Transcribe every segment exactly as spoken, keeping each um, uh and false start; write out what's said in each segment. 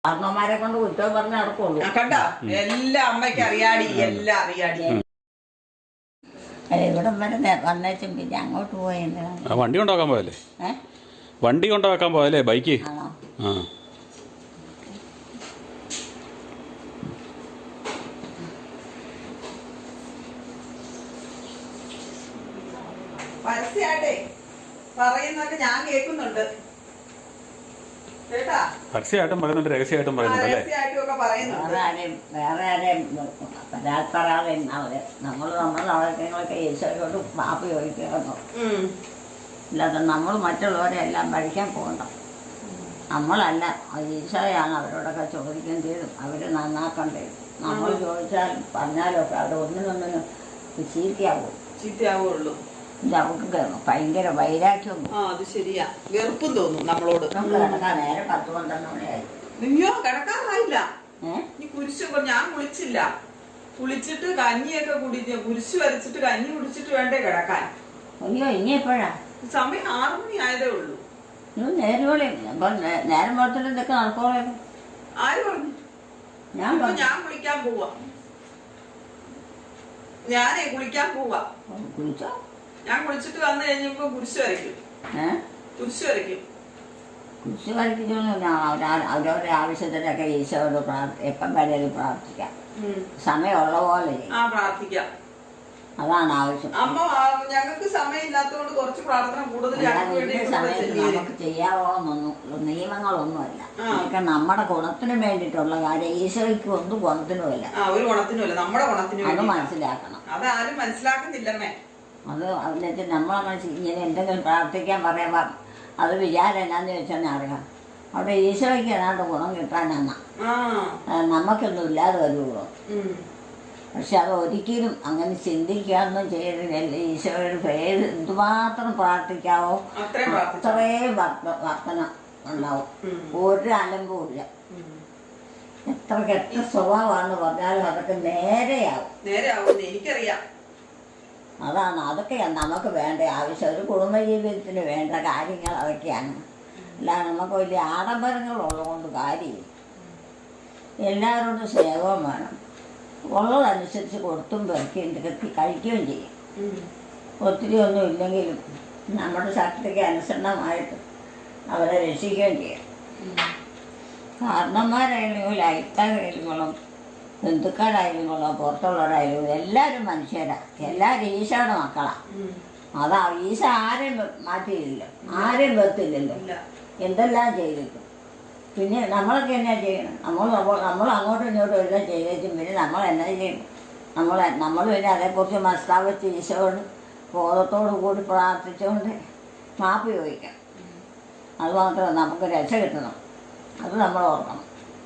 അമ്മമാരെ കൊണ്ട് കുറ്റം പറഞ്ഞ് നടക്കുള്ളൂ. കണ്ട എല്ലാ അമ്മയ്ക്ക് അറിയാടി, എല്ലാം അറിയാടി. ഇവിടം വരെ വന്നേച്ചും പിന്നെ അങ്ങോട്ട് പോയെന്താ? വണ്ടി കൊണ്ടാക്കാൻ പോയല്ലേ? ഏഹ് വണ്ടി കൊണ്ടാക്കാൻ പോയല്ലേ? ബൈക്ക്. ആണോ? ആ പരസ്യമായിട്ടേ പറയുന്നൊക്കെ ഞാൻ കേൾക്കുന്നുണ്ട് കേട്ടാ. പരസ്യമായിട്ടും പറയുന്നുണ്ട്, രഹസ്യമായിട്ടും പറയുന്നുണ്ട് അല്ലേ? രഹസ്യമായിട്ടും ഒക്കെ പറയുന്നുണ്ട്. വേറെ ആരെയും വേറെ ആരെയും പരാതി അവര് നമ്മൾ നമ്മൾ അവർക്ക് ഈശോയോട് മാപ്പ് ചോദിക്കുന്നു. അല്ലാതെ നമ്മൾ മറ്റുള്ളവരെ എല്ലാം പഠിക്കാൻ പോകണ്ട. നമ്മളല്ല, ഈശോയാണ് അവരോടൊക്കെ ചോദിക്കേണ്ടതും അവർ നന്നാക്കേണ്ടതും. നമ്മൾ ചോദിച്ചാലും പറഞ്ഞാലും ഒക്കെ അവർ ഒന്നിനൊന്നിനും ചീത്തയാവും ചീത്തയാവുള്ളൂ. ഇത് അവർക്ക് ഭയങ്കര വൈരാഗ്യം. ആ അത് ശരിയാ, വെറുപ്പും തോന്നും നമ്മളോട്. നമുക്ക് കിടക്കാൻ നേരെ പത്ത് പന്ത്രണ്ട് മണിയായി. അയ്യോ കിടക്കാറായില്ല. ഏഹ് ഈ കുരിശ് ഞാൻ കുളിച്ചില്ല. കുളിച്ചിട്ട് കഞ്ഞിയൊക്കെ കുടിച്ച് കുരിശ് വരച്ചിട്ട് കഞ്ഞി കുടിച്ചിട്ട് വേണ്ടേ കിടക്കാൻ. അയ്യോ ഇനി എപ്പോഴാ സമയം ആറു മണി ആയതേ ഉള്ളൂ. ഇത് നേരം അപ്പൊ നേരം പുറത്തിട്ട് ഇതൊക്കെ നടക്കോളെ. ആര് പറഞ്ഞു? ഞാൻ ഇപ്പൊ ഞാൻ കുളിക്കാൻ പോവാ. ഞാനേ കുളിക്കാൻ പോവാ. കുളിച്ചോ? ഞാൻ കുളിച്ചിട്ട് വന്നു കഴിഞ്ഞപ്പോ കുരിശ് വരയ്ക്കും. ഏഹ് കുരിശ് വരയ്ക്കും. കുരിശ് വരയ്ക്കുന്നൊന്നുമില്ല. അവരവരുടെ ആവശ്യത്തിനൊക്കെ ഈശോയോട് പ്രാർത്ഥി എപ്പം വേണേലും പ്രാർത്ഥിക്കാം. സമയമുള്ള പോലെ ആ പ്രാർത്ഥിക്കാം. അതാണ് ആവശ്യം. അമ്മ ഞങ്ങൾക്ക് സമയമില്ലാത്തതുകൊണ്ട് കുറച്ച് പ്രാർത്ഥന കൂടുതൽ സമയത്ത് നമുക്ക് ചെയ്യാവോന്നൊന്നും നിയമങ്ങളൊന്നുമല്ല. അതൊക്കെ നമ്മുടെ ഗുണത്തിന് വേണ്ടിയിട്ടുള്ള കാര്യം. ഈശോയ്ക്ക് ഒന്നും ഗുണത്തിനുമല്ല. ഒരു ഗുണത്തിനുമല്ല, നമ്മുടെ ഗുണത്തിനും അത് മനസ്സിലാക്കണം. അതാരും മനസ്സിലാക്കുന്നില്ലമ്മേ. അത് എന്നിട്ട് നമ്മളെ മനസ്സിൽ ഇങ്ങനെ എന്തെങ്കിലും പ്രാർത്ഥിക്കാൻ പറയുമ്പോൾ അത് വിചാരം എന്നാന്ന് ചോദിച്ചാൽ അറിയാം. അവിടെ ഈശോയ്ക്ക് ഏതാണ്ട് ഗുണം കിട്ടാനാണ്, നമുക്കൊന്നും ഇല്ലാതെ വരുള്ളൂ. പക്ഷെ അത് ഒരിക്കലും അങ്ങനെ ചിന്തിക്കാനൊന്നും ചെയ്തില്ല. ഈശോയുടെ പേര് എന്തുമാത്രം പ്രാർത്ഥിക്കാവോ അത്രയും വർത്തനം ഉണ്ടാവും. ഒരു അലമ്പും ഇല്ല. എത്ര കെട്ട സ്വഭാവമാണെന്ന് പറഞ്ഞാലും അതൊക്കെ നേരെയാവും. നേരെയാവും എനിക്കറിയാം. അതാണ് അതൊക്കെ നമുക്ക് വേണ്ട ആവശ്യം. ഒരു കുടുംബജീവിതത്തിന് വേണ്ട കാര്യങ്ങൾ അതൊക്കെയാണ്. അല്ലാതെ നമുക്ക് വലിയ ആഡംബരങ്ങളുള്ളതുകൊണ്ട് കാര്യമില്ല. എല്ലാവരോടും സ്നേഹവും വേണം. ഉള്ളതനുസരിച്ച് കൊടുത്തും പെറുക്കുകയും തികത്തി കഴിക്കുകയും ചെയ്യും. ഒത്തിരി ഒന്നും ഇല്ലെങ്കിലും നമ്മുടെ ശക്തിക്ക് അനുസരണമായിട്ട് അവരെ രക്ഷിക്കുകയും ചെയ്യും. കാരണന്മാരായാലും അയൽക്കാരായാലും ബന്ധുക്കാരായാലും കൊള്ളാം, പുറത്തുള്ളവരായാലും എല്ലാവരും മനുഷ്യരാണ്. എല്ലാവരും ഈശോയുടെ മക്കളാണ്. അതാ ഈശോ ആരെയും മാറ്റിയില്ല, ആരെയും വെത്തില്ലല്ലോ. എന്തെല്ലാം ചെയ്തിട്ടും പിന്നെ നമ്മളൊക്കെ എന്നാ ചെയ്യണം? നമ്മൾ നമ്മൾ അങ്ങോട്ടും ഇങ്ങോട്ടും എല്ലാം ചെയ്തേച്ചും പിന്നെ നമ്മൾ എന്നാ ചെയ്യണം? നമ്മൾ നമ്മൾ പിന്നെ അതേക്കുറിച്ച് മനസ്സിലാവച്ച് ഈശോയോട് ബോധത്തോടു കൂടി പ്രാർത്ഥിച്ചുകൊണ്ട് മാപ്പ് ചോദിക്കാം. അത് മാത്രമേ നമുക്ക് രക്ഷ കിട്ടണം. അത് നമ്മൾ ഓർക്കണം.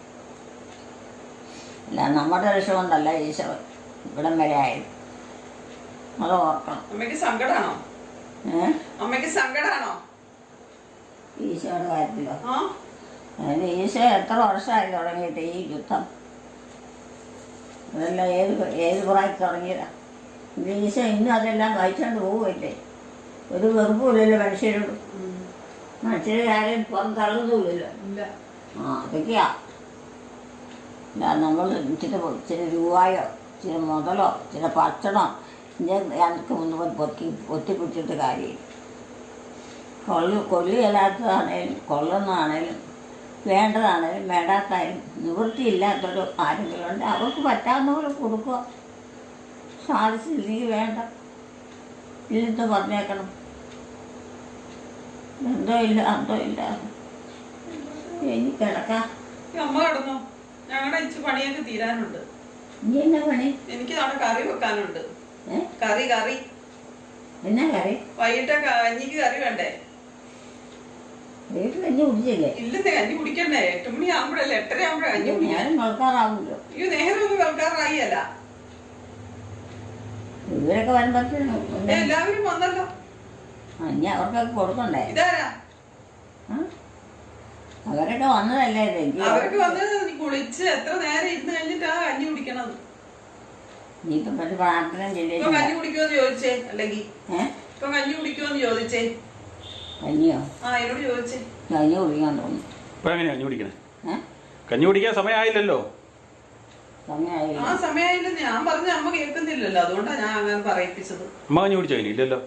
അല്ല നമ്മുടെ രക്ഷ കൊണ്ടല്ല ഈശോ ഇവിടം വരെ ആയത്. അത് ഓർക്കണം. അമ്മയ്ക്ക് സങ്കടാണോ? ഏഹ് അമ്മയ്ക്ക് സങ്കടാണോ ഈശോയുടെ കാര്യത്തിലോ? അതിന് ഈശോ എത്ര വർഷമായി തുടങ്ങിയിട്ട് ഈ യുദ്ധം? അതെല്ലാം ഏത് ഏത് പ്രായത്തിൽ തുടങ്ങിയതാ? ഈശോ ഇന്നും അതെല്ലാം വായിച്ചുകൊണ്ട് പോവുമല്ലേ? ഒരു വെറുപ്പില്ലല്ലോ മനുഷ്യരോട്. മനുഷ്യരെ ആരെയും പുറം തള്ളുന്നില്ലല്ലോ. ആ അതൊക്കെയാ. അല്ല നമ്മൾ ഇച്ചിരി ഇച്ചിരി രൂപയോ ഇച്ചിരി മുതലോ ഇച്ചിരി ഭക്ഷണോ ഞങ്ങൾക്ക് മുന്നേ പൊത്തി പൊത്തിപ്പിടിച്ചിട്ട് കാര്യമില്ല. കൊള്ളു കൊല്ലുകയില്ലാത്തതാണേലും കൊള്ളുന്നതാണേലും വേണ്ടതാണേലും വേണ്ടാത്തായാലും നിവൃത്തിയില്ലാത്തൊരു ആരെങ്കിലും ഉണ്ട്, അവർക്ക് പറ്റാവുന്ന പോലെ കൊടുക്കുക. സാധിച്ചില്ലെങ്കിൽ വേണ്ട, ഇല്ലെന്ന് പറഞ്ഞേക്കണം. എന്തോ ഇല്ല എന്തോ ഇല്ല ഇനി കിടക്കാം. അമ്മ കിടന്നോ? ഞങ്ങളുടെ ഇച്ചിരി പണിയൊക്കെ തീരാനുണ്ട്. ഇനി എന്നാ പണി? എനിക്ക് നാളെ കറി വെക്കാനുണ്ട്. കറി കറി എന്നാ കറി? വൈകിട്ട് കഞ്ഞിക്ക് കറി വേണ്ടേ? വീട്ടിൽ കഞ്ഞി കുടിച്ചില്ലേ? ഇല്ലെന്നേ, കഞ്ഞി കുടിക്കണ്ടേ? എട്ട് മണി ആകുമ്പോഴല്ലേ, എട്ടര ആകുമ്പോഴേ കഞ്ഞി കുടിക്കാൻ. കേൾക്കാറാവുമല്ലോ. അയ്യോ നേരം ഒന്നും കേൾക്കാറായില്ല. ഇവരൊക്കെ വരുമ്പോഴത്തേനും എല്ലാവരും വന്നല്ലോ. ഇനി അവർക്കൊക്കെ കൊടുക്കണ്ടേ? ഇതാരാ? അവരൊക്കെ വന്നതല്ലേ? അവർക്ക് വന്നത് കുളിച്ച് എത്ര നേരം ഇരുന്ന് കഴിഞ്ഞിട്ടാ കഞ്ഞി കുടിക്കണത്. ഇനിയിപ്പം മറ്റു പ്രാർത്ഥന ചെയ്തേ. ഇപ്പൊ കഞ്ഞി കുടിക്കുമെന്ന് ചോദിച്ചേ. അല്ലെങ്കിൽ ഏഹ് ഇപ്പൊ കഞ്ഞി കുടിക്കുമെന്ന് ചോദിച്ചേ. കഞ്ഞിയോ? ആ എന്നോട് ചോദിച്ചേ. കഞ്ഞി കുടിക്കാൻ തോന്നുന്നു. ഇപ്പൊ എങ്ങനെയാ കഞ്ഞി കുടിക്കണേ? ഏഹ് കഞ്ഞി കുടിക്കാൻ സമയമായില്ലല്ലോ. സമയമായില്ല. ആ സമയമായില്ലെന്ന് ഞാൻ പറഞ്ഞ അമ്മ കേൾക്കുന്നില്ലല്ലോ, അതുകൊണ്ടാണ് ഞാൻ അങ്ങനെ പറയിപ്പിച്ചത്. അമ്മ കഞ്ഞി കുടിച്ചോ? ഇനി ഇല്ലല്ലോ.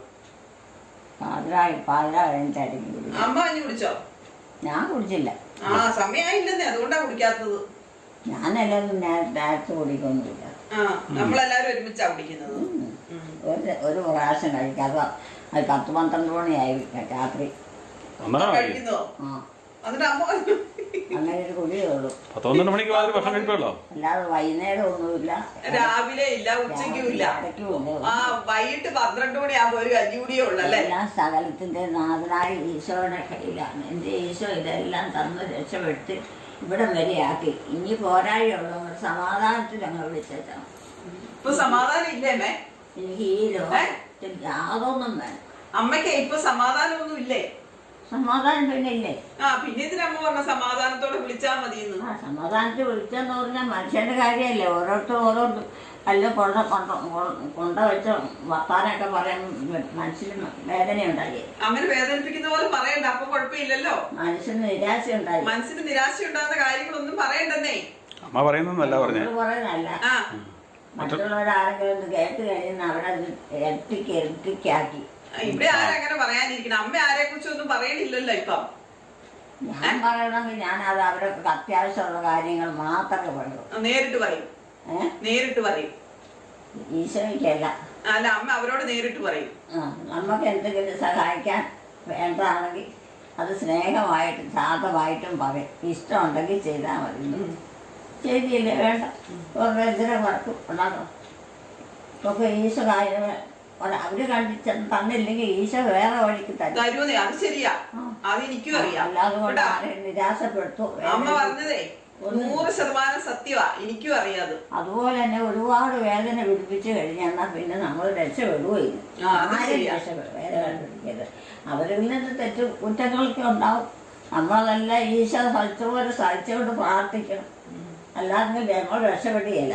പാതിരായി പാതിര കഴിഞ്ഞിട്ടായിരിക്കും കുടിക്കും. അമ്മ കഞ്ഞി കുടിച്ചോ? ഞാൻ കുടിച്ചില്ല. ആ സമയമായില്ലെന്നേ, അതുകൊണ്ടാ കുടിക്കാത്തത്. ഞാനെല്ലാവരും നേരത്തെ കുടിക്കൊന്നുമില്ല. ആ നമ്മളെല്ലാരും ഒരുമിച്ചാ കുടിക്കുന്നത്. ഒരു ഒരു പ്രാവശ്യം കഴിക്കാതെ അത് പത്ത് പന്ത്രണ്ട് മണിയായി രാത്രി കഴിക്കുന്നോ? ആ എന്നിട്ട് അമ്മ അങ്ങനെ ഒരു കുടിയേ ഉള്ളൂ. പത്ത് പന്ത്രണ്ട് മണിക്ക് മാത്രമേ ഭക്ഷണം കഴിക്കുള്ളൂ. അല്ലാതെ വൈകുന്നേരം ഒന്നുമില്ല, രാവിലെ ഇല്ല, ഉച്ചയ്ക്കും ഇല്ല. ഇടയ്ക്കുമില്ല. ആ വൈകിട്ട് പന്ത്രണ്ട് മണിയാകുമ്പോ ഒരു കഞ്ഞി കുടിയേ ഉള്ളല്ലേ. എല്ലാ സകലത്തിന്റെ നാഥനായ ഈശോയുടെ കയ്യിലാണ്. എൻ്റെ ഈശോ ഇതെല്ലാം തന്ന് രക്ഷപ്പെടുത്തി ഇവിടം വരെയാക്കി. ഇനി പോരാഴിയുള്ളവർ സമാധാനത്തിൽ അങ്ങ് വിളിച്ചേച്ചാണ്. ഇപ്പൊ സമാധാനം ഇല്ലേ? എനിക്ക് ഈ ലോകത്തിൽ യാതൊന്നും വേണം. അമ്മയ്ക്ക് ഇപ്പൊ സമാധാനമൊന്നും ഇല്ലേ? സമാധാനം പിന്നെ ഇല്ലേ? ആ പിന്നെ ഇതിനമ്മ പറഞ്ഞ സമാധാനത്തോടെ വിളിച്ചാ മതിയെന്ന്. ആ സമാധാനത്തിൽ വിളിച്ചെന്ന് പറഞ്ഞാൽ മനുഷ്യന്റെ കാര്യമല്ലേ. ഓരോരുത്തർ ഓരോ അല്ല കൊണ്ട കൊണ്ട കൊണ്ട വെച്ച് വർത്താനൊക്കെ പറയാൻ മനസ്സിന് വേദനയുണ്ടായി. അങ്ങനെ വേദനിപ്പിക്കുന്ന പോലെ പറയണ്ട, അപ്പൊ കുഴപ്പമില്ലല്ലോ. മനസ്സിന് നിരാശ ഉണ്ടായി. മനസ്സിന് നിരാശ ഉണ്ടാകുന്ന കാര്യങ്ങളൊന്നും പറയണ്ടെന്നേ. അമ്മ പറയുന്നല്ല പറഞ്ഞേ. പറയുന്നല്ല, ആ മറ്റുള്ളവരാരെങ്കിലും ഒന്ന് കേട്ട് കഴിയുന്ന അവരത് ഇരട്ടിക്ക് ഇരട്ടിക്കാക്കി. ഇവിടെ ആരങ്ങനെ പറയാനിരിക്കണം? അമ്മ ആരെ കുറിച്ചൊന്നും പറയണില്ലല്ലോ ഇപ്പം. ഞാൻ പറയണമെങ്കിൽ ഞാൻ അത് അവർക്ക് അത്യാവശ്യമുള്ള കാര്യങ്ങൾ മാത്രമേ പറയൂ. നേരിട്ട് പറയും. ഏഹ് നേരിട്ട് പറയും. ഈശോയ്ക്കല്ല. അല്ല അമ്മ അവരോട് നേരിട്ട് പറയും. ആ നമുക്ക് എന്തെങ്കിലും സഹായിക്കാൻ വേണ്ടതാണെങ്കിൽ അത് സ്നേഹമായിട്ടും ശാന്തമായിട്ടും പറയും. ഇഷ്ടമുണ്ടെങ്കിൽ ചെയ്താൽ മതി. ചെയ്തില്ലേ വേണ്ട, എന്തിനാ വഴക്കും ഉണ്ടാകും. ഒക്കെ ഈശോ കാര്യങ്ങൾ അവര് കണ്ടിച്ച് തന്നില്ലെങ്കിൽ ഈശോ വേറെ വഴിക്ക് തരും. തരുന്നേ, അത് ശരിയാ, അത് എനിക്കും അറിയാം. അല്ലാതെ കൊണ്ട് ആരെയും നിരാശപ്പെടുത്തു. അമ്മ പറഞ്ഞതേ നൂറ് ശതമാനം സത്യമാ, എനിക്കും അറിയാതെ. അതുപോലെ തന്നെ ഒരുപാട് വേദന പിടിപ്പിച്ചു കഴിഞ്ഞാൽ പിന്നെ നമ്മൾ രക്ഷപ്പെടുകയും ആരും രക്ഷപ്പെടും. വേദന പിടിക്കരുത്. അവരിൽ നിന്ന് തെറ്റ് കുറ്റങ്ങളൊക്കെ ഉണ്ടാവും. നമ്മളതെല്ലാം ഈശോ സഹിച്ചപോലെ സഹിച്ചുകൊണ്ട് പ്രാർത്ഥിക്കണം. അല്ലാതെ ഞങ്ങൾ രക്ഷപ്പെടുകയില്ല.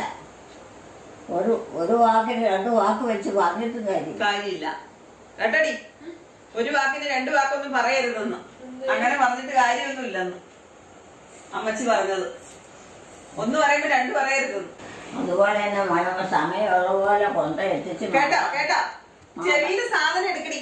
ഒരു ഒരു വാക്കിന് രണ്ട് വാക്ക് വെച്ച് പറഞ്ഞിട്ടും കാര്യം കാര്യമില്ല കേട്ടടി. ഒരു വാക്കിന് രണ്ട് വാക്കൊന്നും പറയരുതെന്ന്, അങ്ങനെ പറഞ്ഞിട്ട് കാര്യമൊന്നുമില്ലെന്ന് അമ്മച്ചി പറഞ്ഞത്. ഒന്ന് പറയുമ്പോ രണ്ട് പറയരുതെന്ന്. അതുപോലെ തന്നെ മഴ സമയമുള്ള പോലെ കൊണ്ട് എത്തിച്ച് കേട്ടോ കേട്ടോ ചെവിയില് സാധനം എടുക്കണി.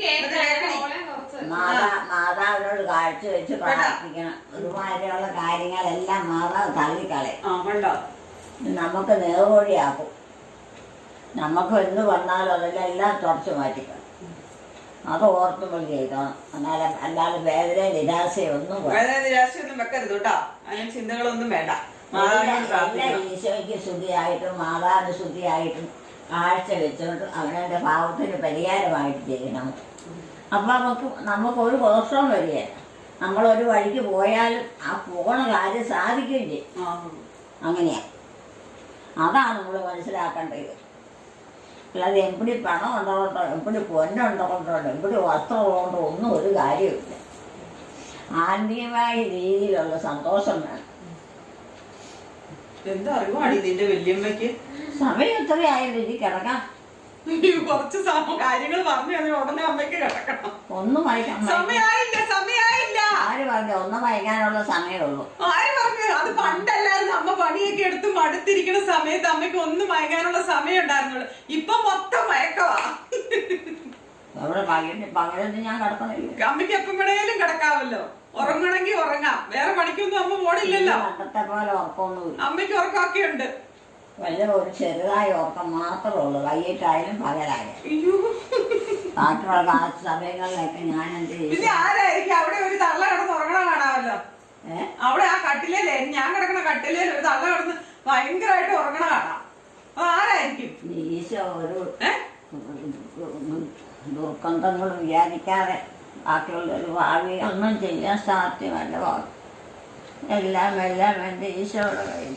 മാതാ മാതാവിനോട് കാഴ്ച വെച്ച് പ്രാർത്ഥിക്കണം. ഒരുമാതിരിയുള്ള കാര്യങ്ങളെല്ലാം മാതാവ് തള്ളിക്കളയും. നമുക്ക് നേർവഴിയാക്കും. നമുക്ക് എന്ത് വന്നാലും അതെല്ലാം എല്ലാം തുടച്ചു മാറ്റിക്കണം. അത് ഓർത്തുമ്പോൾ ചെയ്തോണം. എന്നാലും അല്ലാതെ വേദന നിരാശയോ ഒന്നും വേദന നിരാശയൊന്നും വെക്കരുത് കേട്ടോ. അതിന് ചിന്തകളൊന്നും വേണ്ട. ഈശോയ്ക്ക് ശുദ്ധിയായിട്ടും മാതാവിന് ശുദ്ധിയായിട്ടും കാഴ്ച വെച്ചുകൊണ്ട് അവനവൻ്റെ പാവത്തിന് പരിഹാരമായിട്ട് ചെയ്യണം. അപ്പം നമുക്ക് നമുക്കൊരു ദോഷവും വരികയില്ല. നമ്മളൊരു വഴിക്ക് പോയാലും ആ പോണ കാര്യം സാധിക്കുകയും ചെയ്യും. അങ്ങനെയാണ്. അതാണ് നമ്മൾ മനസ്സിലാക്കേണ്ടത്. അല്ലാതെ എപ്പിടി പണം ഉണ്ടോണ്ടോ എപ്പിടി പൊന്നുണ്ടോണ്ടോ എപ്പിടി വസ്ത്രമുള്ളതുകൊണ്ടോ ഒന്നും ഒരു കാര്യമില്ല. ആത്മീയമായ രീതിയിലുള്ള സന്തോഷം വേണം. എന്താ അറിവാണ് ഇതിന്റെ വല്യമ്മയ്ക്ക്? സമയം എത്രയായാലും ഇനി കിടക്കാം. കുറച്ച് കാര്യങ്ങൾ പറഞ്ഞു ഉടനെ അമ്മയ്ക്ക് കിടക്കണം. ഒന്നും വായിക്കാൻ സമയായില്ല സമയായില്ല. ആര് പറഞ്ഞു? ഒന്നും വായിക്കാനുള്ള സമയമുള്ളൂ. ആര് പറഞ്ഞു? അത് പണ്ടല്ലായിരുന്നു. അമ്മ പണിയൊക്കെ എടുത്ത് മടുത്തിരിക്കുന്ന സമയത്ത് അമ്മയ്ക്ക് ഒന്നും വായിക്കാനുള്ള സമയം ഉണ്ടായിരുന്നുള്ളൂ. ഇപ്പൊ മൊത്തം മയക്കവാ. അവിടെ പകല് പകലൊന്നും ഞാൻ കിടക്കണില്ല. അമ്മയ്ക്ക് എപ്പം വേണേലും കിടക്കാമല്ലോ. ഉറങ്ങണമെങ്കിൽ ഉറങ്ങാം. വേറെ പണിക്കൊന്നും അമ്മ പോണില്ലല്ലോ. പണ്ടത്തെ പോലെ ഉറക്കമൊന്നുമില്ല. അമ്മയ്ക്ക് ഉറക്കമൊക്കെ ഉണ്ട്. വല്ല ഒരു ചെറുതായ ഉറക്കം മാത്രമേ ഉള്ളൂ. വൈകിട്ടായാലും പകലായാലും. അയ്യോ ബാക്കിയുള്ള ആ സമയങ്ങളിലൊക്കെ ഞാൻ എന്ത് ചെയ്യും? പിന്നെ ആരായിരിക്കും അവിടെ ഒരു തള്ള കിടന്ന് ഉറങ്ങണ കാണാമല്ലോ. ഏഹ് അവിടെ ആ കട്ടിലല്ലേ, ഞാൻ കിടക്കണ കട്ടിലേ ഒരു തള്ള കിടന്ന് ഭയങ്കരമായിട്ട് ഉറങ്ങണ കാണാം. അത് ആരായിരിക്കും? ഈശോ ഒരു ഏഹ് ദുർഗന്ധങ്ങളും വിചാരിക്കാതെ ബാക്കിയുള്ള ഒരു ഭാവി ഒന്നും ചെയ്യാൻ സാധ്യമല്ല. എല്ലാം എല്ലാം എൻ്റെ ഈശോയുടെ കയ്യിൽ.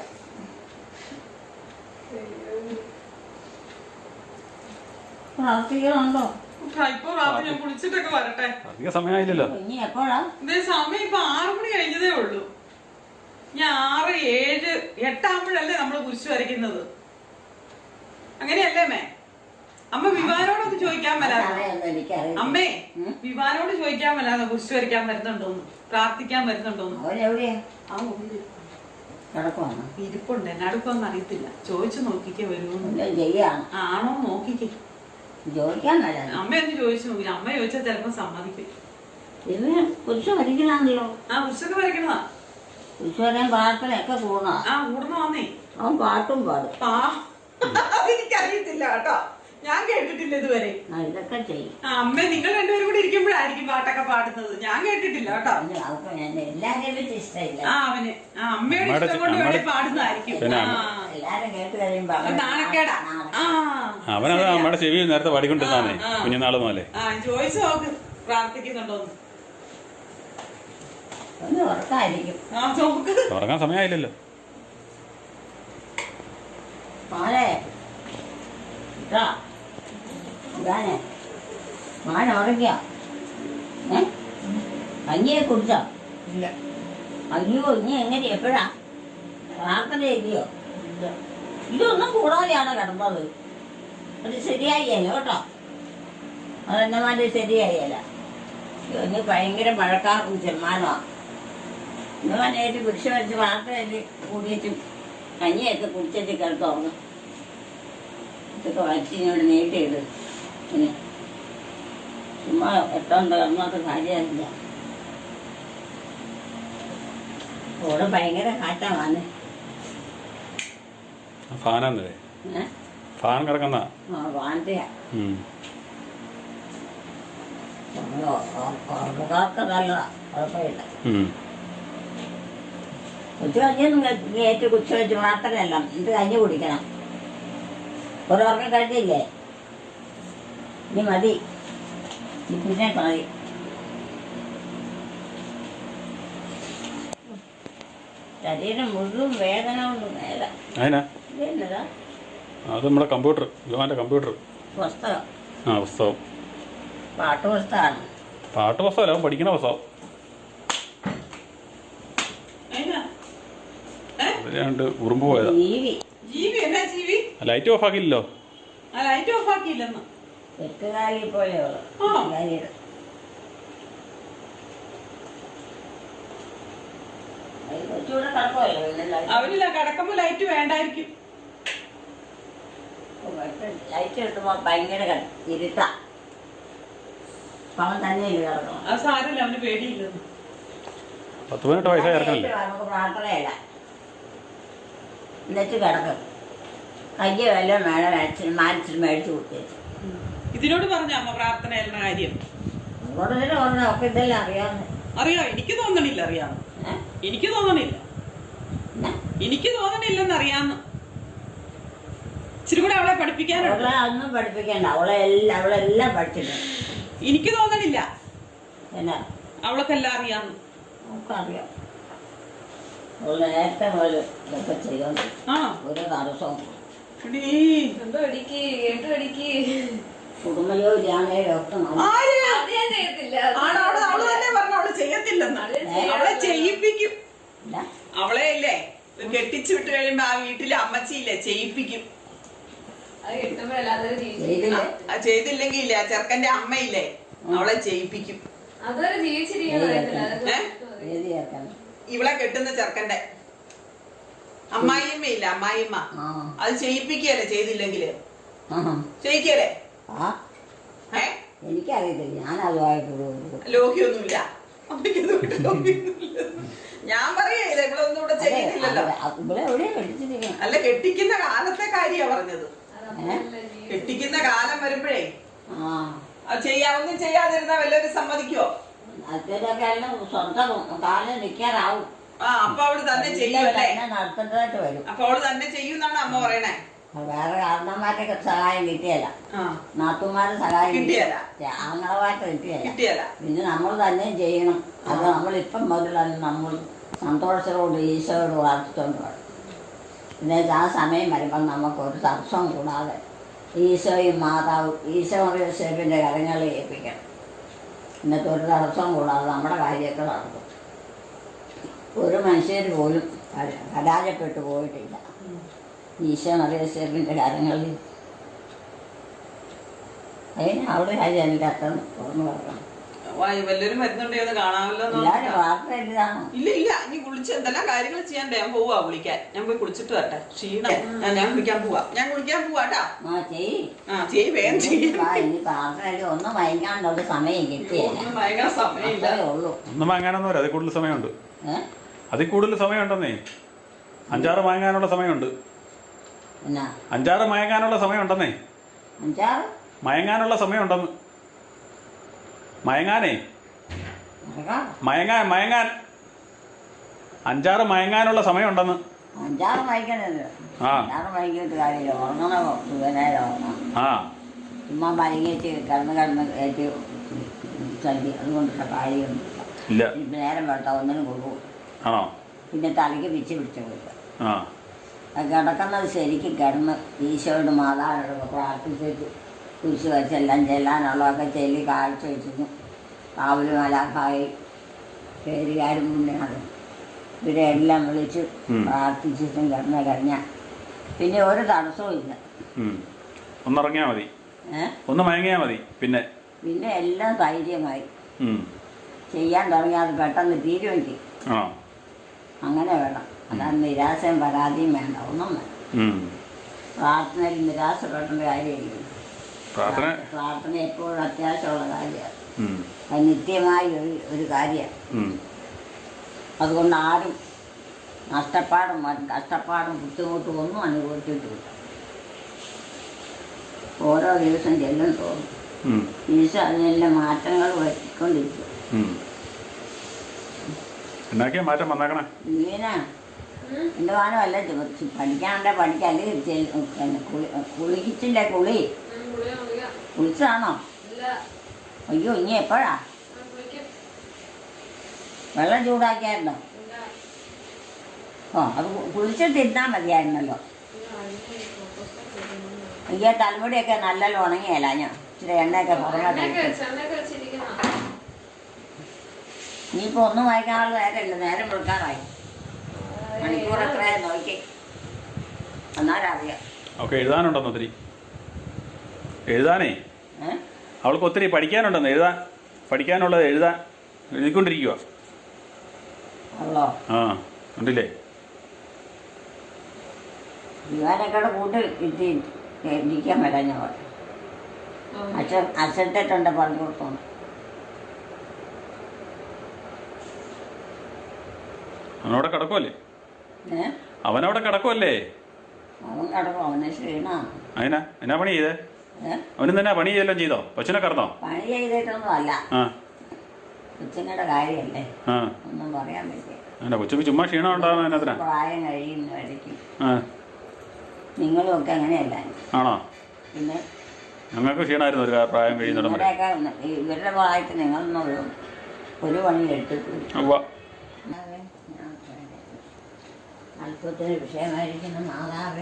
പ്രാർത്ഥിക്കണുണ്ടോ? ഇപ്പൊ രാത്രി ഞാൻ കുളിച്ചിട്ടൊക്കെ വരട്ടെ. അധികം സമയമായില്ലല്ലോ. ഇനി എപ്പോഴാ? ഇതേ സമയം ഇപ്പൊ ആറു മണി കഴിഞ്ഞതേ ഉള്ളൂ. ഞാൻ ആറ് ഏഴ് എട്ടാകുമ്പോഴല്ലേ നമ്മള് കുരിശ് വരയ്ക്കുന്നത്. അങ്ങനെയല്ലേ അമ്മേ? അമ്മ വിവാനോടൊന്ന് ചോദിക്കാൻ മേലാതെ. അമ്മേ വിവാനോട് ചോദിക്കാൻ മേലാതെ കുരിശ് വരയ്ക്കാൻ വരുന്നുണ്ടോന്ന്, പ്രാർത്ഥിക്കാൻ വരുന്നുണ്ടോന്ന്. അവനെവിടെയാ? കിടക്കുവാണ്. ഇരിപ്പുണ്ട്, എന്നാടുക്കൊന്നും അറിയത്തില്ല. ചോദിച്ചു നോക്കിക്കേ വരുമെന്ന്. എല്ലാം ചെയ്യാണ്. ആണോ നോക്കിക്കേ. ചോദിക്കാൻ മേല. അമ്മയൊന്ന് ചോദിച്ചു നോക്കി. അമ്മ ചോദിച്ചാൽ ചിലപ്പോ സമ്മതിക്കും. ഇതിന് കുരിശ് വരയ്ക്കണമല്ലോ. ആ കുരിശൊക്കെ വരയ്ക്കണതാ. കുരിശ് വരാൻ പ്രാർത്ഥനയൊക്കെ കൂടണ. ആ കൂടുന്ന വന്നേ. അവൻ പാട്ടും പാടും. ആ അതെനിക്കറിയത്തില്ല കേട്ടോ, ഞാൻ കേട്ടിട്ടില്ല ഇതുവരെ. ആ ഇതൊക്കെ ചെയ്യും. ആ അമ്മ നിങ്ങൾ രണ്ടുപേരും കൂടി ഇരിക്കുമ്പോഴായിരിക്കും പാട്ടൊക്കെ പാടുന്നത്. ഞാൻ കേട്ടിട്ടില്ല കേട്ടോ. അവർക്ക് ഞാൻ എല്ലാരെയും പറ്റി ഇഷ്ടമില്ല. ആ അവന് ആ അമ്മയുടെ ഇഷ്ടം കൊണ്ട് വേണേ പാടുന്നതായിരിക്കും. എല്ലാരും കേട്ട് കഴിയുമ്പോ നാണക്കേടാ. ആ അവനത് നമ്മുടെ ചെവി നേരത്തെ പാടിക്കൊണ്ടിരുന്നാന്നേ കുഞ്ഞുനാള് മുതലേ. ആ ചോദിച്ചു നോക്ക് പ്രാർത്ഥിക്കുന്നുണ്ടോന്ന്. ഒന്ന് ഉറക്കായിരിക്കും. ആ നോക്ക്. ഉറങ്ങാൻ സമയമായില്ലല്ലോ. മോനെ ഇതാ ഇതാനെ മോൻ ഉറങ്ങിയ ഏ കഞ്ഞിയെ കുടിച്ചോ? ഇല്ല. അയ്യോ ഇനി എങ്ങനെ എപ്പോഴാ പ്രാർത്ഥന ഇല്ലയോ? ഇതൊന്നും കൂടാതെയാണ് കിടന്നത്. അത് ശരിയായില്ല കേട്ടോ. അതെന്നെ മാതിരി ശരിയായില്ല. ഇനി ഭയങ്കര മഴക്കാർക്കും ചെമ്മാനമാണ്. ഇന്ന് നേരിട്ട് കുരിശ് വരച്ച് പ്രാർത്ഥനയിൽ കൂടിയിട്ടും കഞ്ഞിയൊക്കെ കുടിച്ചിട്ട് കിടത്തുറങ്ങും. ഇതൊക്കെ വരച്ചിങ്ങോട്ട് നീട്ടിയിട്. പിന്നെ ചുമ്മാ എട്ടോണ്ട് കിടന്നോട്ട് കാര്യമില്ല. ഇവിടെ ഭയങ്കര കാറ്റാ വന്നെ. ഫാനാന്നേ. ഏഹ് ഫാൻ കിടക്കുന്ന ആ വാൻറ്റയാ. ഉറങ്ങുകാർക്ക് നല്ലതാ, കുഴപ്പമില്ല. ഉച്ച കഴിഞ്ഞൊന്നും ഏറ്റു കുച്ച വെച്ച് പ്രാർത്ഥനയല്ല. ഇത് കഞ്ഞി കുടിക്കണം. ഒരു ഉറക്കം കഴിഞ്ഞില്ലേ? ഇനി മതി, പിന്നെ മതി. ശരീരം മുഴുവൻ വേദന കൊണ്ട് മേല. അതിനാ ഇതെന്നതാ? അത് നമ്മുടെ കമ്പ്യൂട്ടർ, യുവാന്റെ കമ്പ്യൂട്ടർ. പുസ്തകം. ആ പുസ്തകം. പാട്ട് പുസ്തകമാണ്. പാട്ട് പുസ്തകമല്ല, അവൻ പഠിക്കണ പുസ്തകം. അതിലാണ്ട് ഉറുമ്പ് പോയതാ. ജീവി ജീവി എന്നാ ജീവി? ലൈറ്റ് ഓഫ് ആക്കിയില്ലല്ലോ. ആ ലൈറ്റ് ഓഫ് ആക്കിയില്ലെന്ന്. എട്ടുകാലി പോലെയുള്ളു. കൊച്ചുകൂടെ കിടക്കുമല്ലോ. അവരില്ല, കിടക്കുമ്പോ ലൈറ്റ് വേണ്ടായിരിക്കും. ലൈറ്റ് കിട്ടുമ്പോ ഭയങ്കര ഇരുട്ടാ. അവൻ തന്നെയല്ലേ കിടക്കണം. അത് സാരമില്ല, അവന് പേടിയില്ലെന്ന്. പത്ത് പതിനെട്ട് വയസ്സായി ഇറക്കണല്ലേ. നമുക്ക് പ്രാർത്ഥനയല്ല. എന്നിട്ട് കിടക്കും. കയ്യ വല്ലതും വേണം മേടിച്ച് മാനിച്ചിട്ട് മേടിച്ച് കൊടുത്തേച്ചു. ഇതിനോട് പറഞ്ഞ അമ്മ പ്രാർത്ഥന എന്ന കാര്യം കൂടുതൽ പറഞ്ഞ ഒക്കെ ഇതെല്ലാം അറിയാവുന്ന. അറിയാം. എനിക്ക് തോന്നണില്ല അറിയാന്ന്. എനിക്ക് തോന്നണില്ല എനിക്ക് തോന്നണില്ലെന്ന് അറിയാന്ന്. ഇച്ചിരി കൂടെ അവളെ പഠിപ്പിക്കാനുണ്ട്. ഒന്നും പഠിപ്പിക്കണ്ട. അവളെ എല്ലാം അവളെല്ലാം പഠിച്ചിട്ടുണ്ട്. എനിക്ക് തോന്നണില്ല എന്നാ അവൾക്കെല്ലാം അറിയാന്ന്. നമുക്കറിയാം. അവള് നേരത്തെ മുതൽ ഇതൊക്കെ ചെയ്തോണ്ട് ആ ഒരു തടസ്സവും. കുടുംബജോലിയാണേലും ഒക്കെ അവള് തന്നെ പറഞ്ഞു അവള് ചെയ്യത്തില്ലെന്നാണ്. അവളെ ചെയ്യിപ്പിക്കും. അവളെ ഇല്ലേ കെട്ടിച്ചു വിട്ട് കഴിയുമ്പോ ആ വീട്ടിലെ അമ്മച്ചിയില്ലേ ചെയ്യിപ്പിക്കും. ചെയ്തില്ലെങ്കിൽ ഇല്ലേ ചെറുക്കന്റെ അമ്മയില്ലേ അവളെ ചെയ്യിപ്പിക്കും. ഇവളെ കെട്ടുന്ന ചെറുക്കന്റെ അമ്മായിയമ്മ ഇല്ല, അമ്മായിയമ്മ അത് ചെയ്യിപ്പിക്കല്ലേ. ചെയ്തില്ലെങ്കില് ചെയ്യിക്കല്ലേ? എനിക്കറിയത്തില്ല, ഞാൻ അതുമായിട്ട് ലോഹിയൊന്നുമില്ല. ഞാൻ പറയല്ലേ ഇവളൊന്നും ഇവിടെ ചെയ്യുന്നില്ലല്ലോ. അല്ല കെട്ടിക്കുന്ന കാലത്തെ കാര്യാ പറഞ്ഞത്. കെട്ടിക്കുന്ന കാലം വരുമ്പോഴേ ചെയ്യാവുന്ന ചെയ്യാതിരുന്ന വല്ലവരും സമ്മതിക്കോ? സ്വന്തം കാലം നിൽക്കാറാവും. ആ അപ്പൊ അവള് തന്നെ ചെയ്യുമല്ലേ? നടത്തേണ്ടതായിട്ട് വരും. അപ്പൊ അവള് തന്നെ ചെയ്യുന്നാണ് അമ്മ പറയണേ. വേറെ കാരണന്മാരുടെ സഹായം കിട്ടിയല്ല, നാത്തുമാരുടെ സഹായം കിട്ടിയല്ല, ആങ്ങളമായിട്ട് കിട്ടിയല്ല കിട്ടിയല്ല. പിന്നെ നമ്മൾ തന്നെ ചെയ്യണം. അത് നമ്മളിപ്പം മുതലാണ് നമ്മൾ സന്തോഷത്തോട് ഈശോയോട് പ്രാർത്ഥിച്ചുകൊണ്ട് വേണം. പിന്നെ ആ സമയം വരുമ്പം നമുക്കൊരു തടസ്സം കൂടാതെ ഈശോയും മാതാവും ഈശോ യേശുവിൻ്റെ കരങ്ങളിൽ ഏൽപ്പിക്കണം. ഇന്നത്തെ ഒരു തടസ്സം കൂടാതെ നമ്മുടെ കാര്യമൊക്കെ നടക്കും. ഒരു മനുഷ്യർ പോലും പരാജയപ്പെട്ടു പോയിട്ടില്ല ഈശോ യേശുവിൻ്റെ കരങ്ങളിൽ. അതിന് അവിടെ കാര്യം എനിക്ക് അത്ര തുറന്നു പറയണം. വല്ലവരും വരുന്നുണ്ടോ എന്ന് കാണാമല്ലോ എന്ന് എല്ലാവരും ഓർത്തിട്ടാ. പ്രാർത്ഥന ഇല്ലതാണോ? ഇല്ല ഇല്ല ഇനി കുളിച്ച് എന്തെല്ലാം കാര്യങ്ങൾ ചെയ്യാണ്ട് ഞാൻ പോവാ കുളിക്കാൻ. ഞാൻ പോയി കുളിച്ചിട്ട് വരട്ടെ. ക്ഷീണം. ഞാൻ ഞാൻ കുളിക്കാൻ പോവാ. ഞാൻ കുളിക്കാൻ പോവാട്ടാ. ആ ചെയ്യ്. ആ ചെയ് വേഗം ചെയ്യും. ആ, ഇനി പ്രാർത്ഥനയിൽ ഒന്നും വൈകാണ്ടുള്ള സമയം കിട്ടിയല്ല. ഒന്നും ഭയങ്കര സമയമില്ല. അത്രേ ഉള്ളൂ. ഒന്നും വാങ്ങാനൊന്നും വരാം, അതിൽ കൂടുതൽ സമയമുണ്ട്. ഏഹ് അതിൽ കൂടുതൽ സമയമുണ്ടെന്നേ. അഞ്ചാറ് വാങ്ങാനുള്ള സമയമുണ്ട്. എന്നാ അഞ്ചാറ് മയങ്ങാനുള്ള സമയമുണ്ടെന്നേ. അഞ്ചാറ് മയങ്ങാനുള്ള സമയമുണ്ടെന്ന്. മയങ്ങാനേ നടക്കാം. മയങ്ങാൻ മയങ്ങാൻ അഞ്ചാറ് മയങ്ങാനുള്ള സമയമുണ്ടെന്ന്. അഞ്ചാറ് വൈകണല്ലോ. ആ. അഞ്ചാറ് വൈകിട്ട് കാര്യമില്ല. ഉറങ്ങണോ സുഖനേരം ഉറങ്ങണം. ആ ചുമ്മാ വൈകിട്ട് കിടന്ന് കിടന്ന് കയറ്റി സദ്യ അതുകൊണ്ടുള്ള കാര്യമൊന്നുമില്ല. ഇല്ല. ഇപ്പം നേരം വെട്ടാ ഒന്നിനും കൊടുക്കും. ആണോ? പിന്നെ തലയ്ക്ക് പിച്ച് പിടിച്ച് കൊടുക്കുക. ആ കിടക്കുന്നത് ശരിക്കും കിടന്ന് ഈശോയോട് മാതാവിനോടൊക്കെ പ്രാർത്ഥിച്ചിട്ട് കുരിശ് വെച്ചെല്ലാം ചെല്ലാനുള്ളതൊക്കെ ചെല്ലി കാഴ്ച വെച്ചിരുന്നു. കാവല് മലാഖായി പേരുകാരും മുന്നെയാണ് ഇവരെ എല്ലാം വിളിച്ച് ഉം. പ്രാർത്ഥിച്ചിട്ടും കിടന്ന കഴിഞ്ഞാൽ പിന്നെ ഒരു തടസ്സവും ഇല്ല. ഉം. ഒന്നിറങ്ങിയാൽ മതി, ഏഹ് ഒന്ന് മയങ്ങിയാൽ മതി. പിന്നെ പിന്നെ എല്ലാം ധൈര്യമായി ഉം. ചെയ്യാൻ തുടങ്ങിയാൽ അത് പെട്ടെന്ന് തീരുകയും ചെയ്യും. ആ അങ്ങനെ വേണം. അതാണ് നിരാശയും പരാതിയും വേണ്ട, ഒന്നും വേണ്ട. ഉം. പ്രാർത്ഥനയിൽ നിരാശപ്പെടേണ്ട കാര്യമില്ല. പ്രാർത്ഥന പ്രാർത്ഥന എപ്പോഴും അത്യാവശ്യമുള്ള കാര്യമാണ്. ഉം. അത് നിത്യമായ ഒരു ഒരു കാര്യമാണ്. ഉം. അതുകൊണ്ട് ആരും നഷ്ടപ്പാടും മ- കഷ്ടപ്പാടും ബുദ്ധിമുട്ടും ഒന്നും അനുഭവിച്ചിട്ടില്ല. ഓരോ ദിവസം ചെല്ലും തോന്നും ഉം. ഈശോ അതിനെല്ലാം മാറ്റങ്ങൾ വരുത്തിക്കൊണ്ടിരിക്കും. ഉം. എന്നാക്കിയാ മാറ്റം വന്നേക്കണേ. ഇങ്ങനെ എൻ്റെ വാനമല്ല പഠിക്കാനുണ്ടെ പഠിക്കാം. അല്ലെങ്കിൽ ചെൽ- പിന്നെ കുളി കുളിച്ചില്ലേ കുളി കുളിച്ചതാണോ? അയ്യോ ഇനി എപ്പോഴാ? വെള്ളം ചൂടാക്കിയായിരുന്നോ? ഓ അത് കു- കുളിച്ചിട്ട് ഇരുന്നാൽ മതിയായിരുന്നല്ലോ. അയ്യോ തലമുടിയൊക്കെ നല്ലല്ലോ ഉണങ്ങിയല്ല ഞാൻ ഇച്ചിരി എണ്ണയൊക്കെ പുറമെ ഇനിയിപ്പോൾ ഒന്നും വായിക്കാനുള്ള നേരമില്ല. നേരം കൊടുക്കാറായി. മണിക്കൂർ എത്രയാ നോക്കി എന്നാലറിയാം. ഓക്കെ എഴുതാനുണ്ടെന്ന് ഒത്തിരി. എഴുതാനേ ഏഹ് അവൾക്ക് ഒത്തിരി പഠിക്കാനുണ്ടെന്ന്. എഴുതാൻ പഠിക്കാനുള്ളത് എഴുതാൻ എഴുതിക്കൊണ്ടിരിക്കുക. ഉള്ളോ? ആ ഉണ്ടില്ലേ? ഇവാനൊക്കെ കൂട്ടി ഇട്ടി ഇരിക്കാൻ വരാൻ ഞാൻ പറഞ്ഞു. അച്ഛൻ അച്ഛത്തെട്ടുണ്ട് പറഞ്ഞു കൊടുത്തോണ്ട്. അവനവിടെ കിടക്കുമല്ലേ? ഏഹ് അവനവിടെ കിടക്കുമല്ലേ? അവൻ കിടക്കും. അവന് ക്ഷീണമാണ്. അതിനാ എന്നാ പണി ചെയ്തേ? ഏഹ് അവനും തന്നെ പണി ചെയ്തെല്ലാം ചെയ്തോ? കൊച്ചിനെ കറന്നോ? പണി ചെയ്തിട്ടൊന്നും അല്ല. ആ കൊച്ചുങ്ങളുടെ കാര്യമല്ലേ, ആ ഒന്നും പറയാൻ പറ്റില്ല. എന്നാ കൊച്ചുക്ക് ചുമ്മാ ക്ഷീണം ഉണ്ടാകുന്ന അതിനകത്തിനാ? പ്രായം കഴിയുന്ന ഇടയ്ക്ക് ആ നിങ്ങളും ഒക്കെ അങ്ങനെയല്ല. ആണോ? പിന്നെ ഞങ്ങൾക്ക് ക്ഷീണമായിരുന്നു ഒരു കാ- പ്രായം കഴിയുന്നിടം വരെ. ഇവരുടെയൊക്കെ ഇവരുടെ പ്രായത്തിൽ നിങ്ങളൊന്നും ഒരു ഒരു പണി എടുത്തിട്ടില്ല. ഉവ്വ. അല്പത്തിന് വിഷയമായിരിക്കുന്ന മാതാവേ,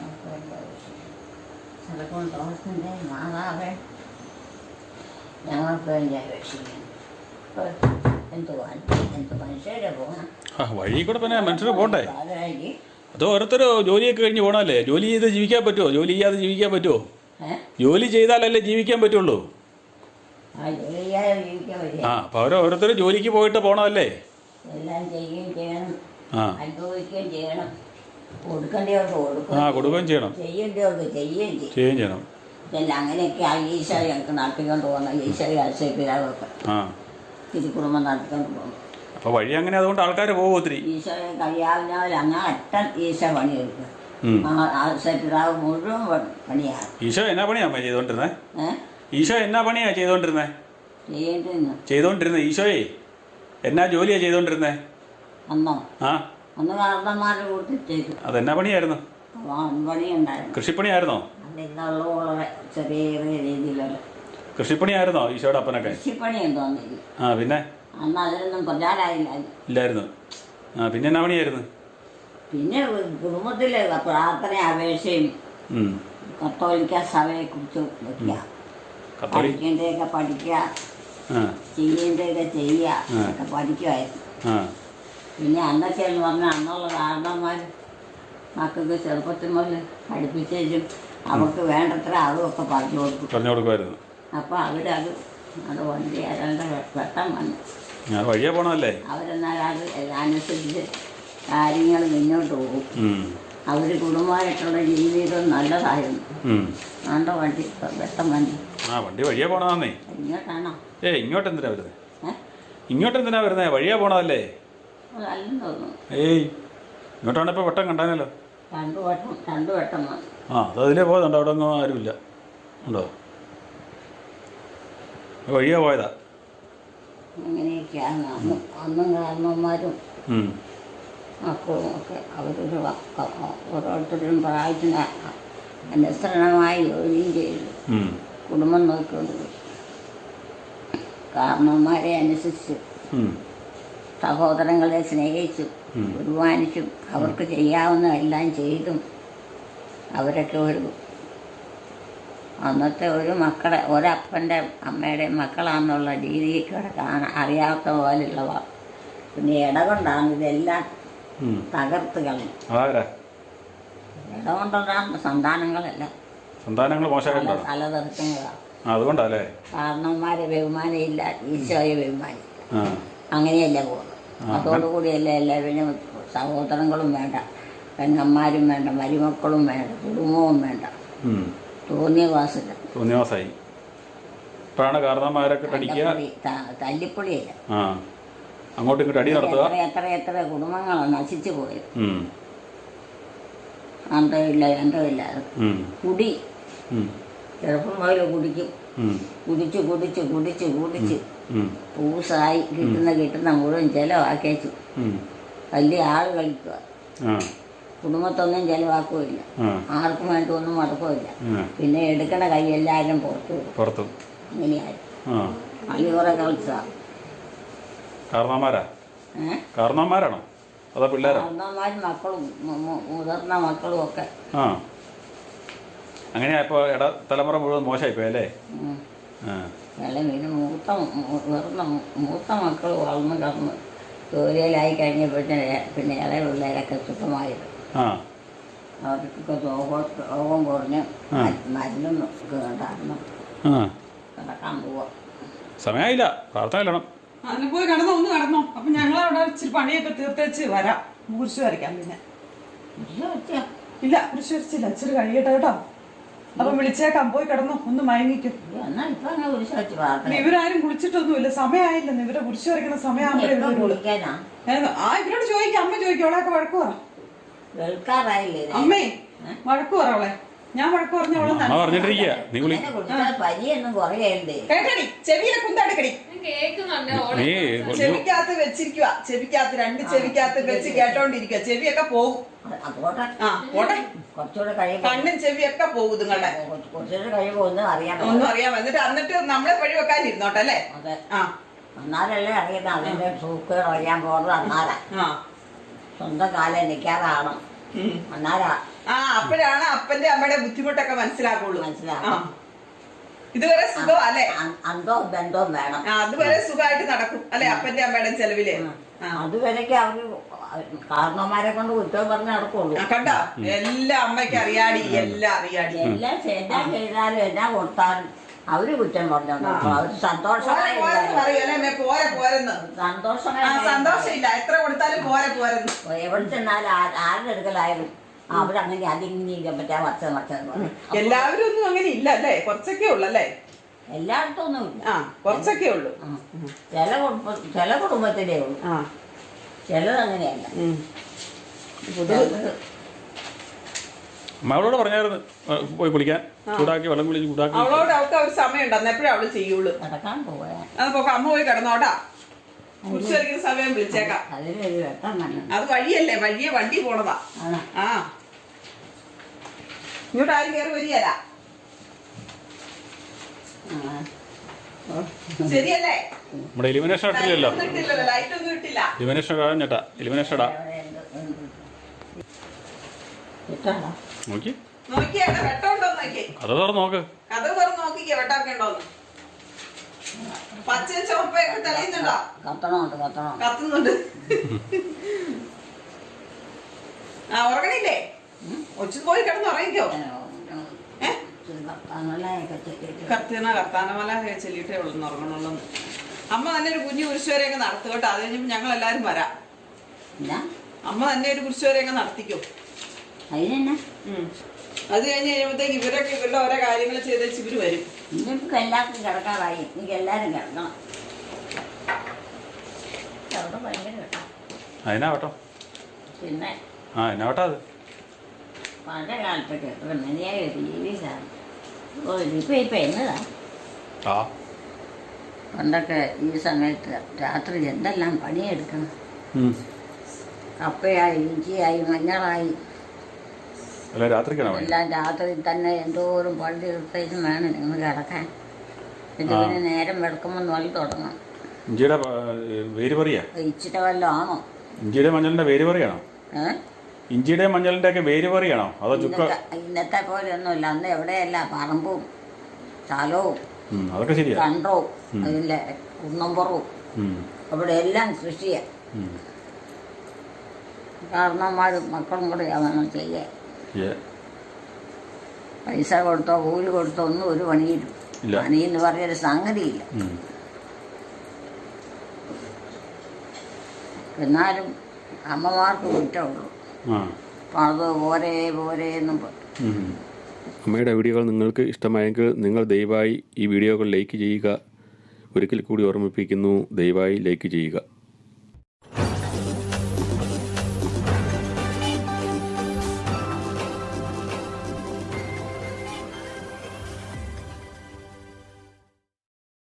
ചിലപ്പോൾ ദോഷത്തിൻ്റെ മാതാവേ ഞങ്ങൾക്ക് വേണ്ടി അപേക്ഷിക്കുന്നു. എന്ത് എന്ത് മനുഷ്യരെ പോകണം ആ വഴി കൂടെ പിന്നെ മനുഷ്യർ പോണ്ടേ? പാതിരാക്കി. അത് ഓരോരുത്തർ ജോലിയൊക്കെ കഴിഞ്ഞ് പോകണമല്ലേ? ജോലി ചെയ്ത് ജീവിക്കാൻ പറ്റുമോ? ജോലി ചെയ്യാതെ ജീവിക്കാൻ പറ്റുമോ? ഏഹ് ജോലി ചെയ്താലല്ലേ ജീവിക്കാൻ പറ്റുള്ളൂ. ആ ജോലി ചെയ്യാതെ ജീവിക്കാൻ പറ്റില്ല. ആ അപ്പോൾ അവർ ഓരോരുത്തർ ജോലിക്ക് പോയിട്ട് പോകണമല്ലേ? എല്ലാം ചെയ്യുകയും ചെയ്യണം, ആ അനുഭവിക്കുകയും ചെയ്യണം. കൊടുക്കേണ്ടവർക്ക് കൊടുക്കുകയും ആ കൊടുക്കുകയും ചെയ്യണം, ചെയ്യേണ്ടവർക്ക് ചെയ്യുകയും ചെയ്യും. ചെയ്യുകയും ചെയ്യണം. ഇതെല്ലാം അങ്ങനെയൊക്കെ ആ ഈശോ ഞങ്ങൾക്ക് നടത്തിക്കൊണ്ട് പോകുന്ന ഈശോ ആശയപ്പിതാവൊക്കെ ആ തിരുക്കുടുംബം നടത്തിക്കൊണ്ട് പോകുന്നു. അപ്പോൾ വഴി അങ്ങനെ അതുകൊണ്ട് ആൾക്കാർ പോകും ഒത്തിരി. ഈശോയെ കഴിയാവുന്നവർ അങ്ങ് അറ്റം ഈശോ പണിയെടുക്കും. ഉം. ആ ആശയപ്പിതാവ് മുഴുവൻ പ- പണിയാണ്. ഈശോ എന്നാ പണിയാ അമ്മ ചെയ്തുകൊണ്ടിരുന്നേ? ഏഹ് ഈശോ എന്നാ പണിയാ ചെയ്തുകൊണ്ടിരുന്നേ? ചെയ്യേണ്ടിരുന്നു. ചെയ്തുകൊണ്ടിരുന്നേ ഈശോയെ എന്നാ ജോലിയാ ചെയ്തുകൊണ്ടിരുന്നേ? അന്നോ ആ അന്ന് കാരണന്മാരുടെ കൂട്ടിട്ടേക്കും അതെന്നാ പണിയായിരുന്നു? പണി ഉണ്ടായിരുന്നു. കൃഷിപ്പണിയായിരുന്നോ? അന്നിന്നുള്ള വളരെ ചെറിയ ചെറിയ രീതിയിലുള്ള കൃഷിപ്പണിയായിരുന്നോ ഈശോയുടെ അപ്പനൊക്കെ? കൃഷിപ്പണിയും തോന്നില്ല. ആ പിന്നെ അന്ന് അതിനൊന്നും പ്രചാരമായില്ല. ഇല്ലായിരുന്നു. ആ പിന്നെ എന്നാ പണിയായിരുന്നു? പിന്നെ കുടുംബത്തിലെ പ്രാർത്ഥന അപേക്ഷയും ഉം. കത്തോലിക്ക സഭയെ കുറിച്ച് വെക്കുക, കത്തോലി പഠിക്കേണ്ടതൊക്കെ പഠിക്കുക, ആ ചെയ്യേണ്ടതൊക്കെ ചെയ്യുക, ഒക്കെ പഠിക്കുമായിരുന്നു. ആ പിന്നെ അന്നൊക്കെ എന്ന് പറഞ്ഞാൽ അന്നുള്ള കാരണന്മാർ മക്കൾക്ക് ചെറുപ്പത്തിൽ മുതൽ പഠിപ്പിച്ചും അവർക്ക് വേണ്ടത്ര അതുമൊക്കെ പറഞ്ഞു കൊടുക്കും. പറഞ്ഞു കൊടുക്കുമായിരുന്നു. അപ്പോൾ അവരത് അത് വണ്ടി ഏതാണ്ട് വെട്ടം വന്നു. ഞാൻ വഴിയെ പോണതല്ലേ. അവരെന്നാൽ അത് അനുസരിച്ച് കാര്യങ്ങൾ മുന്നോട്ട് പോകും. അവർ കുടുംബമായിട്ടുള്ള ജീവിതം നല്ലതായിരുന്നു. നല്ല വണ്ടി വെട്ടം വന്നു. ആ വണ്ടി വഴിയെ പോണതാന്നേ. ഇങ്ങോട്ടാണോ? ഏ ഇങ്ങോട്ട് എന്തിനാ വരുന്നത്? ഇങ്ങോട്ട് എന്തിനാ വരുന്നത്? വഴിയെ പോണതല്ലേ. അതല്ലെന്ന് തോന്നുന്നു. ഏയ് ഇങ്ങോട്ടാണ് ഇപ്പോൾ വെട്ടം കണ്ടാനല്ലോ. രണ്ടു വട്ടം രണ്ടു വട്ടം വന്നു. ആ അത് അതിലേ പോയതുണ്ട്. അവിടെ ഒന്നും ആരുമില്ല. ഉണ്ടോ? വഴിയെ പോയതാ. അങ്ങനെയൊക്കെയാണ് അന്ന് അന്നും കാരണവന്മാരും മക്കളും ഒക്കെ അവരൊരു ഓരോരുത്തരും പ്രായത്തിന് അനുസരണമായി ജോലിയും ചെയ്തു കുടുംബം നോക്കിക്കൊണ്ട് കാരണവന്മാരെ അനുസരിച്ച് സഹോദരങ്ങളെ സ്നേഹിച്ചും ബഹുമാനിച്ചും അവർക്ക് ചെയ്യാവുന്ന എല്ലാം ചെയ്തും അവരൊക്കെ ഒരു അന്നത്തെ ഒരു മക്കളെ ഒരപ്പൻ്റെ അമ്മയുടെയും മക്കളാണെന്നുള്ള രീതിയിൽ കിടക്കാൻ അറിയാത്ത പോലെയുള്ളവ. പിന്നെ ഇടകൊണ്ടാണ് ഇതെല്ലാം തകർത്ത് കളയും. ഇടകൊണ്ടുള്ള സന്താനങ്ങളല്ല, സന്താനങ്ങൾ മോശമായിട്ടോ തലതെറുക്കുന്നതാണ്. അതുകൊണ്ടല്ലേ കാരണവന്മാരെ ബഹുമാനമില്ല, ഈശോയെ ബഹുമാനില്ല. അങ്ങനെയല്ല പോകുന്നത്. അതോടുകൂടിയല്ല എല്ലാവരും സഹോദരങ്ങളും വേണ്ട, പെങ്ങന്മാരും വേണ്ട, മരുമക്കളും വേണ്ട, കുടുംബവും വേണ്ട. തോന്നിയ വാസില്ല, തോന്നിയ വാസായി. ഇപ്പോഴാണ് കാരണന്മാരൊക്കെ അടിക്കുക, തല്ലിപ്പൊളിയല്ല. ആ അങ്ങോട്ടും ഇങ്ങോട്ട് അടി നടത്തുക. എത്ര എത്ര കുടുംബങ്ങളാണ് നശിച്ചു പോയത്. അന്തമില്ല അന്തമില്ല. കുടി ചെറുപ്പം മുതൽ കുടിക്കും. കുടിച്ച് കുടിച്ച് കുടിച്ച് കുടിച്ച് പൂസായി കിട്ടുന്ന കിട്ടുന്ന മുഴുവൻ ചിലവാക്കേച്ചു വലിയ ആൾ കളിക്കുക. കുടുംബത്തൊന്നും ചിലവാക്കുകയില്ല, ആർക്കും വേണ്ടി ഒന്നും മടക്കുകയില്ല. പിന്നെ എടുക്കണ കൈ എല്ലാവരും പുറത്തു പുറത്തു അങ്ങനെയായിരുന്നു. അലി കുറെ കളിച്ച കാരണവന്മാരാ കാരണവന്മാരാണോ അതോ പിള്ളേരാ? കാരണവന്മാരും മക്കളും മുതിർന്ന മക്കളും ഒക്കെ. ആ അങ്ങനെയാ. ഇപ്പോൾ ഇട തലമുറ മുഴുവൻ മോശമായിപ്പോയി അല്ലേ? പിന്നെ മൂത്ത മുതിർന്ന മൂത്ത മക്കൾ വളർന്ന് കടന്ന് ജോലിയിലായി കഴിഞ്ഞപ്പോഴത്തേന് പിന്നെ ഇളയ പിള്ളേരൊക്കെ സുഖമായത്. അവർക്കൊക്കെ രോഗം രോഗം കുറഞ്ഞ് മരുന്നും കേട്ടായിരുന്നു കിടക്കാൻ പോവാ. സമയമായില്ല, പ്രാർത്ഥന ഇല്ലണം. അതിന് പോയി കിടന്നോ, ഒന്ന് കിടന്നോ. അപ്പൊ ഞങ്ങളവിടെ ഇച്ചിരി പണിയൊക്കെ തീർത്തേച്ച് വരാം. കുരിശ് വരയ്ക്കാം. പിന്നെ ഇല്ല, കുരിശ് വരച്ചില്ല, ഇച്ചിരി കഴിയട്ടെ കേട്ടോ. അപ്പൊ വിളിച്ചേക്കാം, പോയി കിടന്നോ, ഒന്ന് മയങ്ങിക്കും. ഇവരാരും കുളിച്ചിട്ടൊന്നുമില്ല, സമയമായില്ല. ഇവരെ കുരിശ് വരയ്ക്കുന്ന സമയമാകുമ്പോഴേ ആ ഇവരോട് ചോദിക്കാം. അമ്മ ചോദിക്കും, അവളെയൊക്കെ വഴക്ക് പറ. അമ്മേ വഴക്ക് പറ അവളെ. ഞാൻ വഴക്ക് പറഞ്ഞ കേട്ടടി, ചെവിയിലെ കുന്താടുക്കടി. ചെവിക്കകത്ത് വെച്ചിരിക്കുക, ചെവിക്കകത്ത് രണ്ട് ചെവിക്കകത്ത് വെച്ച് കേട്ടോണ്ടിരിക്കുക. ചെവിയൊക്കെ പോകും. ആ പോട്ടെ, കണ്ണും ചെവിയൊക്കെ പോകും നിങ്ങളുടെ. ഒന്നും അറിയാം. എന്നിട്ട് എന്നിട്ട് നമ്മളെ വഴി വെക്കാനിരുന്നോട്ടെ അല്ലേ? ആ എന്നാലല്ലേ അറിയുന്ന അതിന്റെ സൂക്കേട് അറിയാൻ പോകുന്നത്. അന്നാലാ സ്വന്തം കാലം നിൽക്കാതാണ്. അന്നാലാ ആ അപ്പോഴാണ് അപ്പന്റെ അമ്മയുടെ ബുദ്ധിമുട്ടൊക്കെ മനസ്സിലാക്കുള്ളൂ. മനസ്സിലാക്കാം. ഇതുവരെ സുഖം അല്ലേ? അന്തോ ബന്ധവും വേണം. അതുവരെ സുഖമായിട്ട് നടക്കും അല്ലെ അപ്പന്റെ അമ്മയുടെ ചെലവില്. അതുവരെയൊക്കെ അവര് കാരണവന്മാരെ കൊണ്ട് കുറ്റം പറഞ്ഞ് നടക്കുള്ളൂ. കണ്ടോ, എല്ലാം അമ്മയ്ക്ക് അറിയാടി, എല്ലാം അറിയാടി. എല്ലാം എല്ലാം ചെയ്താലും എല്ലാം കൊടുത്താലും അവര് കുറ്റം പറഞ്ഞു. അവര് സന്തോഷമായി പോരെ പോരെന്ന് സന്തോഷമായി സന്തോഷമില്ല. എത്ര കൊടുത്താലും പോരെ പോരെന്ന്. എവിടെ ചെന്നാലും ആരുടെ എടുക്കലായാലും അവരങ്ങനെ അതിങ്ങനെ പറ്റാ വച്ച വച്ച. എല്ലാവരും ഒന്നും അങ്ങനെ ഇല്ല അല്ലേ? കുറച്ചൊക്കെ ഉള്ളല്ലേ? എല്ലായിടത്തും ഒന്നും ഇല്ല, ആ കുറച്ചൊക്കെ ഉള്ളു. ചില കുടുംബ ചില കുടുംബത്തിലേ ഉള്ളു, ചിലത് അങ്ങനെയല്ല. അവളോട് പറഞ്ഞായിരുന്നു പോയി കുളിക്കാൻ, ചൂടാക്കി വെള്ളം കുളിച്ച് ചൂടാക്കി. അവളോട് അവൾക്ക് ഒരു സമയം ഉണ്ട്, അന്ന് എപ്പോഴും അവള് ചെയ്യുള്ളൂ. കിടക്കാൻ പോയാ അമ്മ പോയി കിടന്നോട്ടാ. കുറിച്ച് വരയ്ക്കുന്ന സമയം വിളിച്ചേക്കാം. അത് വഴിയല്ലേ, വഴിയെ വണ്ടി പോണതാ. ആ ഇങ്ങോട്ട് ആരും കയറി വരികയല്ല. ശരിയല്ലേ? നമ്മുടെ എലിമിനേഷൻ ഇട്ടില്ലല്ലോ. ലൈറ്റ് ഒന്നും ഇട്ടില്ല. എലിമിനേഷൻ ഇടാൻ ചേട്ടാ, എലിമിനേഷൻ ഇടാ. നോക്കി നോക്കിയാ വെട്ടമുണ്ടോ നോക്കി. കഥ തുറന്ന് നോക്ക്. കഥ തുറന്ന് നോക്കിക്കേ വെട്ടമൊക്കെ ഉണ്ടോന്ന്. പച്ച ചുവപ്പൊക്കെ തെളിയുന്നുണ്ടോ? കത്തണുണ്ട് കത്തണം കത്തുന്നുണ്ട്. ആ ഉറങ്ങണില്ലേ? ഒച്ചു പോയി കിടന്ന് ഉറങ്ങിക്കോ. ഏ കർത്താനൊക്കെ ചെല്ലിട്ട് കർത്തിന കർത്താനമല ചെല്ലിയിട്ടേ ഉള്ളൂ ഉറങ്ങണുള്ളൂ. അമ്മ തന്നെ ഒരു കുഞ്ഞു കുരിശുവരെയൊക്കെ നടത്തു കേട്ടോ. അത് കഴിഞ്ഞപ്പോൾ ഞങ്ങൾ എല്ലാവരും വരാം. എന്നാ അമ്മ തന്നെ ഒരു കുരിശുവരെയൊക്കെ നടത്തിക്കും. അതിനെന്നാ അത് കഴിഞ്ഞ് കഴിയുമ്പോഴത്തേക്ക് ഇവരൊക്കെ ഇവരുടെ ഓരോ കാര്യങ്ങൾ ചെയ്ത് വെച്ച് ഇവര് വരും. നിങ്ങൾക്ക് എല്ലാവർക്കും കിടക്കാറായി. എനിക്ക് എല്ലാവരും കിടക്കണം. അവിടെ ഭയങ്കര കേട്ടോ. അതിനാ കേട്ടോ. പിന്നെ ആ എന്നാ കേട്ടോ അത്. പഴയ കാലത്തൊക്കെ എത്ര മതിയായ ടി വി സാധനം. ഓ ഇതിപ്പോൾ ഇപ്പം എന്നതാ. ആ പണ്ടൊക്കെ ഈ സമയത്ത് രാത്രി എന്തെല്ലാം പണിയെടുക്കണം. ഉം. കപ്പയായി ഇഞ്ചിയായി മഞ്ഞളായി അല്ല രാത്രിക്കാണോ പണി? എല്ലാം രാത്രി തന്നെ എന്തോരം പണി തീർത്തേക്കും വേണം നിങ്ങൾ കിടക്കാൻ. പിന്നെ പിന്നെ നേരം വെളുക്കുമ്പോൾ നൊല്ലി തുടങ്ങണം. ഇഞ്ചിയുടെ വേര് പറയാ. ഇച്ചിട്ട് വല്ലതും ആണോ? ഇഞ്ചിയുടെ മഞ്ഞളിന്റെ വേര് പറയാണോ? ഏഹ് ഇഞ്ചിയുടെ മഞ്ഞളിന്റെ ഒക്കെ വേര് പറയാണോ അതോ ചുക്ക? ഇന്നത്തെ ഇന്നത്തെ പോലെ ഒന്നുമില്ല. അന്ന് എവിടെയല്ല പറമ്പും സ്ഥലവും ഉം, അതൊക്കെ ശരിയാ. കണ്ടവും അതിൻ്റെ കുന്നമ്പുറവും ഉം, അവിടെ എല്ലാം കൃഷിയാണ്. ഉം. കാരണന്മാരും മക്കളും കൂടെ വേണം ചെയ്യാൻ. ഏ, പൈസ കൊടുത്തോ കൂലി കൊടുത്തോ ഒന്നും ഒരു പണിയില്ല. ഇല്ല. പണി എന്ന് പറഞ്ഞൊരു സംഗതിയില്ല. ഉം. എന്നാലും അമ്മമാർക്ക് കുറ്റമുള്ളൂ. ആ അപ്പം അത് പോരേ പോരേ എന്നും പറയും. ഉം. അമ്മയുടെ വീഡിയോകൾ നിങ്ങൾക്ക് ഇഷ്ടമായെങ്കിൽ നിങ്ങൾ ദയവായി ഈ വീഡിയോകൾ ലൈക്ക് ചെയ്യുക. ഒരിക്കൽ കൂടി ഓർമ്മിപ്പിക്കുന്നു, ദയവായി ലൈക്ക് ചെയ്യുക.